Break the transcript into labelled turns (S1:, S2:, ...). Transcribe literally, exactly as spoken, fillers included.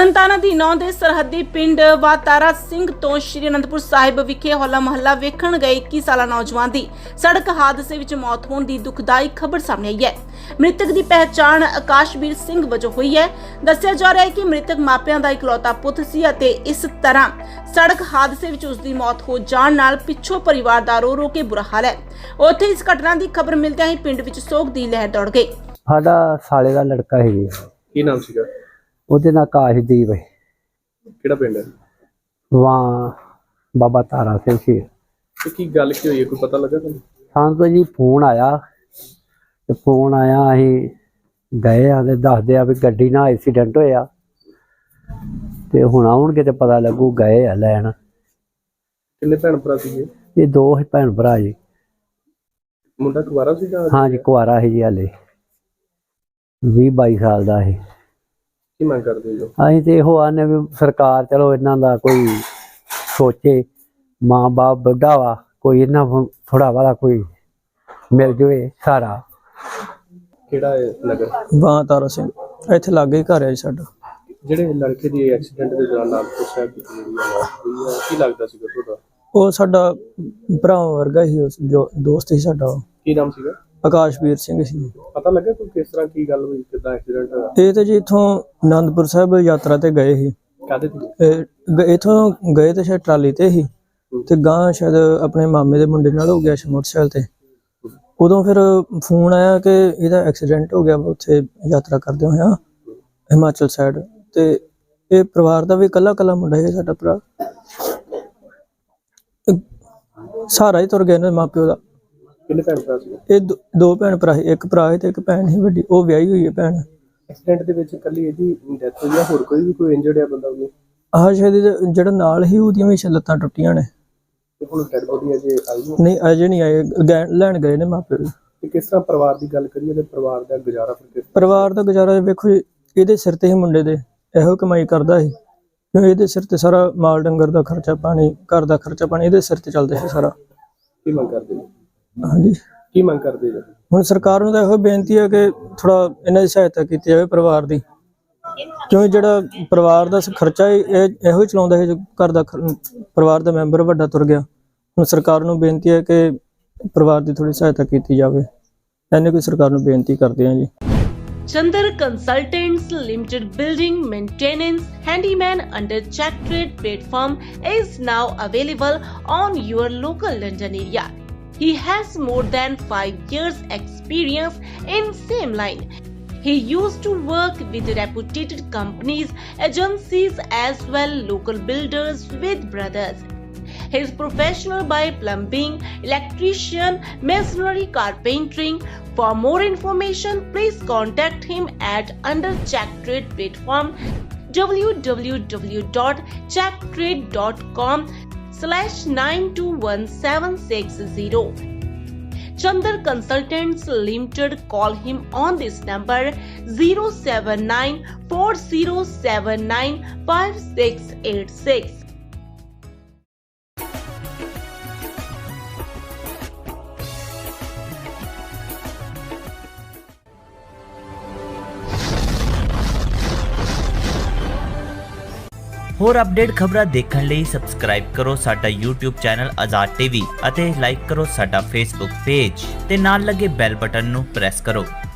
S1: ਤਰਨਤਾਰਨ ਅਧੀਨੋਂ ਦੇ ਸਰਹੱਦੀ ਪਿੰਡ ਵਾਤਾਰਾ ਸਿੰਘ ਤੋਂ ਸ਼੍ਰੀ ਅਨੰਦਪੁਰ ਸਾਹਿਬ ਵਿਖੇ ਹੋਲਾ ਮਹੱਲਾ ਵੇਖਣ ਗਏ ਇੱਕੀ ਸਾਲਾ ਨੌਜਵਾਨ ਦੀ ਸੜਕ ਹਾਦਸੇ ਵਿੱਚ ਮੌਤ ਹੋਣ ਦੀ ਦੁਖਦਾਈ ਖਬਰ ਸਾਹਮਣੇ ਆਈ ਹੈ। ਮ੍ਰਿਤਕ ਦੀ ਪਹਿਚਾਣ ਆਕਾਸ਼ਵੀਰ ਸਿੰਘ ਵਜੋਂ ਹੋਈ ਹੈ। ਦੱਸਿਆ ਜਾ ਰਿਹਾ ਹੈ ਕਿ ਮ੍ਰਿਤਕ ਮਾਪਿਆਂ ਦਾ ਇਕਲੌਤਾ ਪੁੱਤ ਸੀ ਅਤੇ ਇਸ ਤਰ੍ਹਾਂ ਸੜਕ ਹਾਦਸੇ ਵਿੱਚ ਉਸ ਦੀ ਮੌਤ ਹੋ ਜਾਣ ਨਾਲ ਪਿੱਛੋਂ ਪਰਿਵਾਰ ਦਾ ਰੋ ਰੋ ਕੇ ਬੁਰਾ ਹਾਲ ਹੈ। ਉੱਥੇ ਇਸ ਘਟਨਾ ਦੀ ਖਬਰ ਮਿਲਦਿਆਂ ਹੀ ਪਿੰਡ ਵਿੱਚ ਸੋਗ ਦੀ ਲਹਿਰ ਦੌੜ ਗਈ।
S2: ਸਾਡਾ ਸਾਲੇ ਦਾ ਲੜਕਾ ਹੈ ਜੀ।
S3: ਕੀ ਨਾਮ ਸੀਗਾ?
S2: ਉਹਦੇ ਨਾਲ ਆਕਾਸ਼ਦੀਪ ਹੈ।
S3: ਕਿਹੜਾ ਪਿੰਡ ਹੈ?
S2: ਵਾਂ ਬਾਬਾ ਤਾਰਾ ਸਿੰਘ ਸੀ।
S3: ਤੇ ਕੀ ਗੱਲ ਕੀ ਹੋਈ ਹੈ, ਕੋਈ ਪਤਾ ਲੱਗਾ ਤੁਹਾਨੂੰ?
S2: ਸਾਨੂੰ ਤਾਂ ਜੀ ਫੋਨ ਆਇਆ ਤੇ ਫੋਨ ਆਇਆ ਅਸੀਂ ਗਏ ਆ ਤੇ ਦੱਸਦੇ ਆ ਵੀ ਗੱਡੀ ਨਾਲ ਐਕਸੀਡੈਂਟ ਹੋਇਆ ਤੇ ਹੁਣ ਆਉਣਗੇ ਤੇ ਪਤਾ ਲੱਗੂ। ਗਏ ਆ ਲੈਣ।
S3: ਕਿੰਨੇ ਭੈਣ ਭਰਾ ਸੀਗੇ?
S2: ਇਹ ਦੋ ਹੀ ਭੈਣ ਭਰਾ ਜੀ।
S3: ਮੁੰਡਾ ਕੁਵਾਰਾ ਸੀ ਜਾਂ?
S2: ਹਾਂ ਜੀ ਕੁਆਰਾ ਸੀ ਜੀ, ਹਾਲੇ ਵੀਹ ਬਾਈ ਸਾਲ ਦਾ ਸੀ।
S3: ਕੀ ਮੰਗ ਕਰਦੇ ਹੋ?
S2: ਅਸੀਂ ਤੇ ਇਹੋ ਆਨੇ ਵੀ ਸਰਕਾਰ ਚਲੋ ਇਹਨਾਂ ਦਾ ਕੋਈ ਸੋਚੇ। ਮਾਂ ਬਾਪ ਬੁੱਢਾ ਵਾ, ਕੋਈ ਇਹਨਾਂ ਥੋੜਾ ਵਾਲਾ ਕੋਈ ਮਿਲ ਜਾਵੇ ਸਾਰਾ।
S3: ਕਿਹੜਾ ਹੈ ਨਗਰ?
S4: ਵਾਂ ਤਾਰਾ ਸਿੰਘ ਇੱਥੇ ਲਾਗੇ ਹੀ ਘਰ ਹੈ ਜੀ ਸਾਡਾ।
S3: ਜਿਹੜੇ ਲੜਕੇ ਦੀ ਐਕਸੀਡੈਂਟ ਦੇ ਦੌਰਾਨ ਨਾਗਪੁਰ ਸਾਹਿਬ ਦੀ ਜਿਹੜੀ ਮੌਤ ਹੋਈ ਹੈ, ਕੀ ਲੱਗਦਾ ਸੀਗਾ ਤੁਹਾਡਾ?
S4: ਉਹ ਸਾਡਾ ਭਰਾ ਵਰਗਾ ਹੀ ਉਸ ਜੋ ਦੋਸਤ ਸੀ ਸਾਡਾ।
S3: ਕੀ ਨਾਮ ਸੀਗਾ?
S4: ਆਕਾਸ਼ਵੀਰ ਸਿੰਘ ਸੀ।
S3: ਪਤਾ ਲੱਗਾ ਕੋਈ ਕਿਸ ਤਰ੍ਹਾਂ ਕੀ ਗੱਲ ਹੋਈ, ਕਿੱਦਾਂ ਐਕਸੀਡੈਂਟ ਹੋਇਆ?
S4: ਇਹ ਤੇ ਜੀ ਇੱਥੋਂ ਅਨੰਦਪੁਰ ਸਾਹਿਬ ਯਾਤਰਾ ਤੇ ਗਏ ਸੀ।
S3: ਕਾਹਦੇ ਤੇ?
S4: ਇਹ ਇੱਥੋਂ ਗਏ ਤੇ ਸ਼ਾਇਦ ਟਰਾਲੀ ਤੇ ਸੀ ਤੇ ਗਾਂ ਸ਼ਾਇਦ ਆਪਣੇ ਮਾਮੇ ਦੇ ਮੁੰਡੇ ਨਾਲ ਹੋ ਗਿਆ ਸੀ ਮੋਟਰਸਾਈਕਲ ਤੇ। ਉਦੋਂ ਫਿਰ ਫੋਨ ਆਇਆ ਕਿ ਇਹਦਾ ਐਕਸੀਡੈਂਟ ਹੋ ਗਿਆ ਉੱਥੇ ਯਾਤਰਾ ਕਰਦੇ ਹੋਇਆ ਹਿਮਾਚਲ ਸਾਈਡ। ਤੇ ਇਹ ਪਰਿਵਾਰ ਦਾ ਵੀ ਇਕੱਲਾ ਇਕੱਲਾ ਮੁੰਡਾ ਹੈ ਸਾਡਾ ਭਰਾ। ਸਾਰਾ ਹੀ ਤੁਰ ਗਏ ਨੇ ਮਾਪਿਓ ਦਾ।
S3: ਕਿੰਨੇ ਭੈਣ ਭਰਾ ਸੀ?
S4: ਇਹ ਦੋ- ਦੋ ਭੈਣ ਭਰਾ ਸੀ, ਇੱਕ ਭਰਾ ਹੈ ਤੇ ਇੱਕ ਭੈਣ ਸੀ ਵੱਡੀ, ਉਹ ਵਿਆਹੀ ਹੋਈ ਹੈ ਭੈਣ।
S3: ਐਕਸੀਡੈਂਟ ਦੇ ਵਿੱਚ ਇਕੱਲੀ ਇਹਦੀ ਡੈਥ ਹੋਈ ਜਾਂ ਹੋਰ ਕੋਈ ਵੀ ਕੋਈ ਇੰਜਰਡ ਹੈ ਬੰਦਾ ਵੀ?
S4: ਆਹ ਸ਼ਾਇਦ ਇਹਦੇ ਜਿਹੜਾ ਨਾਲ ਹੀ ਉਹਦੀਆਂ ਵੀ ਸ਼ਾਇਦ ਲੱਤਾਂ ਟੁੱਟੀਆਂ ਨੇ।
S3: ਤੇ ਹੁਣ ਡੈਡ ਬੋਡੀ ਅਜੇ ਆਈ ਨਹੀਂ?
S4: ਨਹੀਂ ਅਜੇ ਨਹੀਂ ਆਏ, ਗੈ- ਲੈਣ ਗਏ ਨੇ ਮਾਪੇ।
S3: ਤੇ ਕਿਸ ਤਰ੍ਹਾਂ ਪਰਿਵਾਰ ਦੀ ਗੱਲ ਕਰੀਏ ਤੇ ਪਰਿਵਾਰ ਦਾ ਗੁਜ਼ਾਰਾ ਫਿਰ ਕਿਸ ਤਰ੍ਹਾਂ?
S4: ਪਰਿਵਾਰ ਦਾ ਗੁਜ਼ਾਰਾ ਵੇਖੋ ਜੀ, ਇਹਦੇ ਸਿਰ ਤੇ ਹੀ ਮੁੰਡੇ ਦੇ ਇਹੋ ਕਮਾਈ ਕਰਦਾ ਸੀ ਕਿਉਂ ਇਹਦੇ ਸਿਰ ਤੇ ਸਾਰਾ ਮਾਲ ਡੰਗਰ ਦਾ ਖਰਚਾ ਪਾਣੀ, ਘਰ ਦਾ ਖਰਚਾ ਪਾਣੀ ਇਹਦੇ ਸਿਰ ਤੇ ਚੱਲਦਾ ਸੀ ਸਾਰਾ।
S3: ਕੀ ਮੰਗ ਕਰਦੇ ਜੀ?
S4: ਹਾਂਜੀ
S3: ਕੀ ਮੰਗ ਕਰਦੇ ਜੀ?
S4: ਹੁਣ ਸਰਕਾਰ ਨੂੰ ਤਾਂ ਇਹੋ ਬੇਨਤੀ ਹੈ ਕਿ ਥੋੜਾ ਇਹਨਾਂ ਦੀ ਸਹਾਇਤਾ ਕੀਤੀ ਜਾਵੇ ਪਰਿਵਾਰ ਦੀ, ਕਿਉਂ ਜਿਹੜਾ ਪਰਿਵਾਰ ਦਾ ਖਰਚਾ ਹੈ ਇਹ ਇਹੋ ਹੀ ਚਲਾਉਂਦਾ ਹੈ। ਜੋ ਘਰ ਦਾ ਖ- ਪਰਿਵਾਰ ਦਾ ਮੈਂਬਰ ਵੱਡਾ ਤੁਰ ਗਿਆ। ਹੁਣ ਸਰਕਾਰ ਨੂੰ ਬੇਨਤੀ ਹੈ ਕਿ ਪਰਿਵਾਰ ਦੀ ਥੋੜੀ ਸਹਾਇਤਾ ਕੀਤੀ ਜਾਵੇ। ਐਨੇ ਕੋਈ ਸਰਕਾਰ ਨੂੰ ਬੇਨਤੀ ਕਰਦੇ ਹਾਂ ਜੀ।
S1: Chandar Consultants Limited Building Maintenance Handyman under Check Trade platform is now available on your local London area. He has more than five years experience in same line. He used to work with reputed companies, agencies as well local builders with brothers. He is professional by plumbing, electrician, masonry, carpentering. For more information, please contact him at under Check Trade platform w w w dot check trade dot com slash nine two one seven six zero. Chandar Consultants Limited. Call him on this number zero seven nine four zero seven nine five six eight six.
S5: ਹੋਰ update ਖਬਰਾਂ ਦੇਖਣ ਲਈ subscribe ਕਰੋ ਸਾਡਾ YouTube channel Azad TV ਅਤੇ like ਕਰੋ ਸਾਡਾ Facebook page ਤੇ ਨਾਲ ਲੱਗੇ ਬੈਲ ਬਟਨ ਨੂੰ ਪ੍ਰੈਸ ਕਰੋ।